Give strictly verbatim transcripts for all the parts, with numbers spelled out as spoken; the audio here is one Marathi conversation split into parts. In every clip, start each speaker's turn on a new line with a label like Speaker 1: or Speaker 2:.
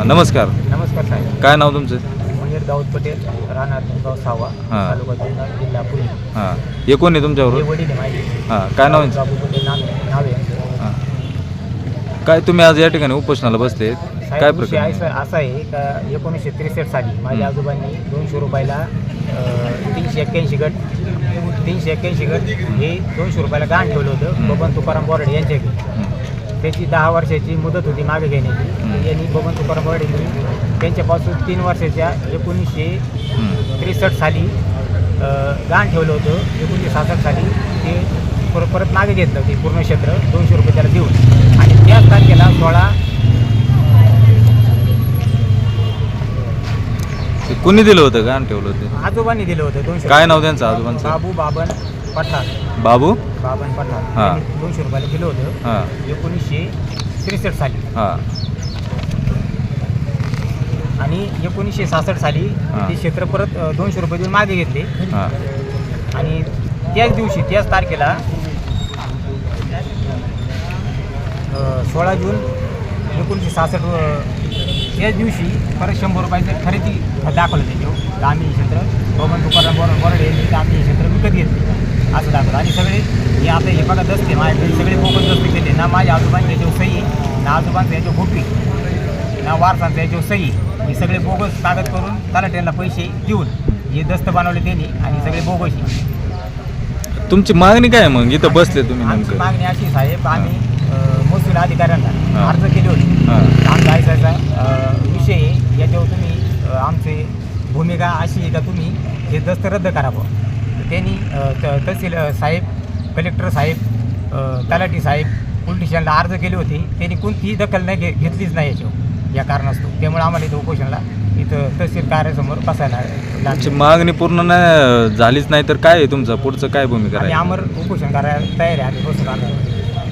Speaker 1: नमस्कार.
Speaker 2: नमस्कार साहेब.
Speaker 1: काय नाव तुमचं?
Speaker 2: मुनीर दाऊद पटेल, राहणार निमगाव सावा,
Speaker 1: हां.
Speaker 2: तालुका जुन्नर, जिल्हा पुणे.
Speaker 1: हां, हे कोण आहे
Speaker 2: हे
Speaker 1: तुमच्याबरोबर?
Speaker 2: वडील आहे माझे.
Speaker 1: हां, काय नाव आहे?
Speaker 2: बाबू पटेल नाव नाव आहे यांचं.
Speaker 1: हां, काय तुम्ही आज या ठिकाणी उपोषणाला बसले, काय
Speaker 2: साहेब विषय आहे
Speaker 1: प्रकार?
Speaker 2: सर असा आहे का एकोणीसशे त्रेसष्ट साली माझ्या आजोबांनी दोनशे रुपयाला अं, तीनशे एक्क्याऐंशी गट तीनशे एक्क्याऐंशी गट हे दोनशे रुपयाला गहाण ठेवलं होतं बबन तुकाराम बोराडे यांच्याकडे. त्याची दहा वर्षाची मुदत होती मागे घेण्याची. तर यांनी बबन तुकाराम बोराडेंनी त्यांच्यापासून तीन वर्षाच्या एकोणीसशे त्रेसष्ट साली अं, गहाण ठेवलं होतं. एकोणीसशे सहासष्ट साली ते परत परत मागे घेतलं ते पूर्ण क्षेत्र दोनशे रुपये त्याला देऊन. आणि त्याच तारखेला सोळा
Speaker 1: ते कुणी दिलं होतं का ठेवलं होतं?
Speaker 2: आजोबांनी दिलं होतं दोनशे.
Speaker 1: काय नाव त्यांचं आजोबांचं?
Speaker 2: बाबू बाबन पठार.
Speaker 1: बाबू
Speaker 2: बाबन पठार
Speaker 1: हां.
Speaker 2: त्यांनी दोनशे रुपयाला दिलं होतं
Speaker 1: हां.
Speaker 2: एकोणीसशे त्रेसष्ट साली.
Speaker 1: हां.
Speaker 2: आणि एकोणीसशे सहासष्ट साली
Speaker 1: हां.
Speaker 2: ते क्षेत्र परत अ, दोनशे रुपये देऊन मागे घेतले.
Speaker 1: हां.
Speaker 2: आणि त्याच दिवशी त्याच तारखेला अ, सोळा जून एकोणीसशे सहासष्ट त्याच दिवशी परत शंभर रुपयाचं खरेदी दाखवलं त्याच्यावर. तर आम्ही हे क्षेत्र बबन तुकाराम बोर बोराडे यांनी तर आम्ही हे क्षेत्र विकत घेतले असं दाखवलं. आणि सगळे हे आता हे बघा दस्ते माझ्याकडे सगळे बोगस दस्ते केले ना. माझ्या आजोबांच्या याच्यावर सही ना आजोबांचं याच्यावर फोटो ना वारसांचं याच्यावर सही. हे सगळे बोगस कागद करून तलाट्यांना पैसे देऊन हे दस्त बनवले त्यांनी आणि सगळे बोगस.
Speaker 1: तुमची मागणी काय आहे मग इथं बसले तुम्ही
Speaker 2: आमची
Speaker 1: नेमकं?
Speaker 2: मागणी अशी साहेब आम्ही अ, महसूल अधिकाऱ्यांना
Speaker 1: हां.
Speaker 2: अर्ज केले होते.
Speaker 1: हां.
Speaker 2: आमचा ऐसायचा विषय आहे याच्यावर तुम्ही अ, आमची भूमिका अशी आहे का तुम्ही हे दस्त रद्द करावं. तर त्यांनी अ, त- तहसील अ, साहेब, कलेक्टर साहेब, अ, तलाठी साहेब, पोलीस स्टेशनला अर्ज केले होते. त्यांनी कोणतीही दखल नाही घे घेतलीच नाही याच्यावर या कारणास्तव. त्यामुळे आम्हाला इथं उपोषणला इथं तहसील कार्यासमोर बसायला
Speaker 1: तुमची
Speaker 2: लागलं.
Speaker 1: मागणी पूर्ण नाही झालीच नाही तर काय आहे तुमचं पुढचं काय भूमिका
Speaker 2: आम्ही
Speaker 1: राहील?
Speaker 2: अमर उपोषण करायला तयार आहे. आम्ही बसून आलो.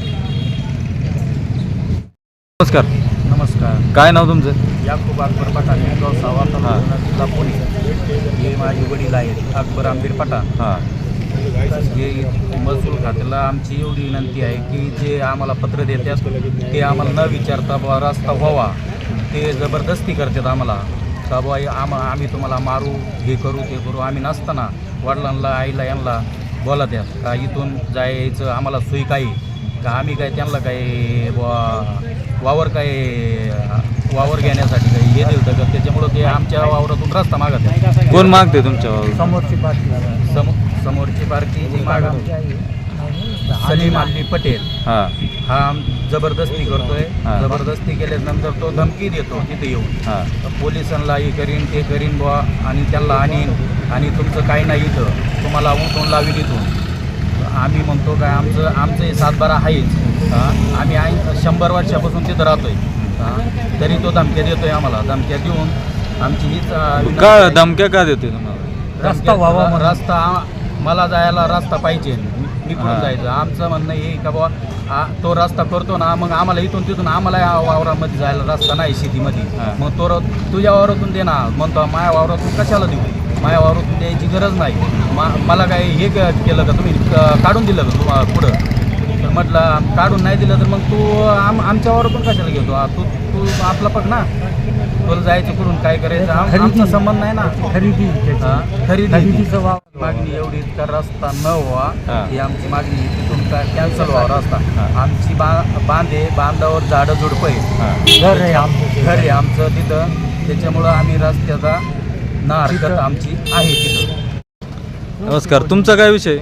Speaker 1: नमस्कार.
Speaker 2: नमस्कार.
Speaker 1: काय नाव तुमचं?
Speaker 2: याकूब अकबर पठाण निमगाव सावा तालुका जिल्हा पुणे. हे माझे वडील आहेत अकबर आंबीर पठाण.
Speaker 1: हां.
Speaker 3: हे महसूल खात्याला आमची एवढी विनंती आहे की जे आम्हाला पत्र देतात ते आम्हाला न विचारता बुवा रस्ता व्हावा. ते जबरदस्ती करतात आम्हाला का बुवा आम आम्ही तुम्हाला मारू हे करू ते करू. आम्ही नसताना वडिलांना आईला यांना बोलत आहेत का इथून जायचं आम्हाला सोयी काही का आम्ही काय त्यांना काय बुवा वावर काय वावर घेण्यासाठी काही हे दिलं का त्याच्यामुळं ते आमच्या वावरातून रस्ता मागत आहे.
Speaker 1: कोण मागते तुमच्यावर?
Speaker 2: समोरची पार्टी
Speaker 3: सम समोरची पार्टी जी मागत सलीम अली पटेल
Speaker 1: हां.
Speaker 3: हा जबरदस्ती करतोय.
Speaker 1: हां.
Speaker 3: जबरदस्ती केल्यानंतर तो धमकी देतो तिथे येऊन
Speaker 1: हां.
Speaker 3: पोलिसांना हे करीन ते करीन बुवा आणि त्यांना आणीन आणि तुमचं काही नाही इथं तुम्हाला उठून लावील इथून. आम्ही म्हणतो काय आमचं आमचं हे सातबारा आहेच. हां आम्ही आहे शंभर वर्षापासून तिथं राहतोय. हां तरी तो धमक्या देतोय आम्हाला. धमक्या देऊन आमची हीच अं,
Speaker 1: का
Speaker 3: विनंती-
Speaker 1: धमक्या का देते तुम्हाला?
Speaker 2: रस्ता व्हावा म्हणून.
Speaker 3: रस्ता आ- मला जायला रस्ता पाहिजे. मी कुठून
Speaker 1: हां.
Speaker 3: जायचं आमचं म्हणणं हे का बुवा आ- तो रस्ता करतो ना मग आम्हाला इथून तिथून आम्हाला या वावरामध्ये जायला रस्ता नाही शेतीमध्ये.
Speaker 1: हां.
Speaker 3: मग तो र- तुझ्या वावरातून दे ना म्हणतो. माझ्या वावरातून कशाला देऊ? माझ्या वावरातून द्यायची गरज नाही. मा मला काय हे क- केलं का तुम्ही क- काढून दिलं का तुम्हाला पुढं? तर म्हटलं काढून नाही दिलं तर मग तू आम आमच्या वावरातून कशाला घेतो? आ, तू तू आपला बघ ना तुला जायचं करून काय करायचं आम- आमचा संबंध नाही ना.
Speaker 2: खरेदी
Speaker 3: हां, खरेदी
Speaker 2: खरेदीचं वाव.
Speaker 3: मागणी एवढी का रस्ता न व्हावा
Speaker 1: हां.
Speaker 3: ही आमची मागणी. तिथून काय कॅन्सल व्हावा रस्ता.
Speaker 1: हां.
Speaker 3: आमची बा बांधे बांधावर झाडं झुडपं आहे.
Speaker 1: हां.
Speaker 2: घर आहे आमचं.
Speaker 3: घर आहे आमचं तिथं. त्याच्यामुळं आम्ही रस्त्याचा ना हरकत आमची आहे तिथं.
Speaker 1: नमस्कार. तुमचा काय विषय?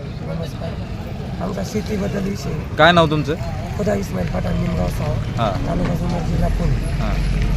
Speaker 2: आमचा शेतीबद्दल विषय.
Speaker 1: काय नाव तुमचं?
Speaker 2: खुदा इस्माईल पठाण निमगाव सावा
Speaker 1: हां.
Speaker 2: तालुका जुन्नर जिल्हा पुणे.
Speaker 1: हां.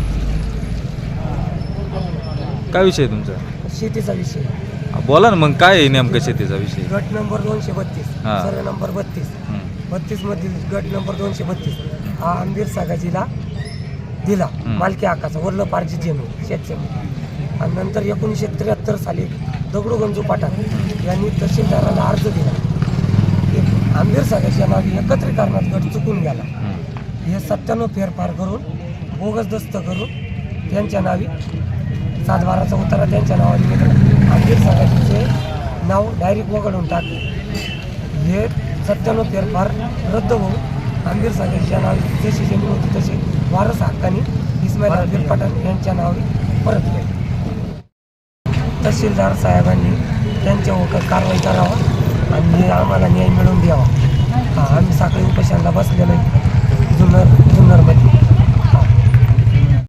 Speaker 1: काय विषय तुमचा?
Speaker 2: शेतीचा विषय.
Speaker 1: बोला ना मग काय आहे नेमकं शेतीचा विषय?
Speaker 2: गट नंबर दोनशे बत्तीस
Speaker 1: हां.
Speaker 2: सर्व नंबर बत्तीस
Speaker 1: हं.
Speaker 2: बत्तीस मधील गट नंबर दोनशे बत्तीस हा आंबीर सागाजीला दिला.
Speaker 1: हं.
Speaker 2: मालकी हक्काचा वरलं पारजी जमीन शेतजमीन. आणि नंतर एकोणीसशे त्र्याहत्तर साली दगडू गंजू पठाण यांनी तहसीलदाराला अर्ज दिला. एक आंबीर सागाच्या नावी एकत्रीकरणात गट चुकून गेला.
Speaker 1: हं.
Speaker 2: हे सत्त्याण्णव फेरफार करून बोगस दस्त करून त्यांच्या नावी सातबाराचा उतारा त्यांच्या नावाने निघाला. आंबीर सागाचे नाव डायरेक्ट वगळून टाकले. हे सत्त्याण्णव फेरफार रद्द होऊन आंबीर सागाच्या नावी जशी जमीन होती तशी वारस हक्काने इस्माईल
Speaker 4: लक्ष्मण वीरपठाण यांच्या नावे परत केले. तहसीलदार साहेबांनी त्यांच्यावर कारवाई करावा आणि आम्हाला न्याय मिळवून द्यावा. हा आम्ही साखळी उपोषणाला बसलेलो आहे जुन्नर जुन्नरमध्ये.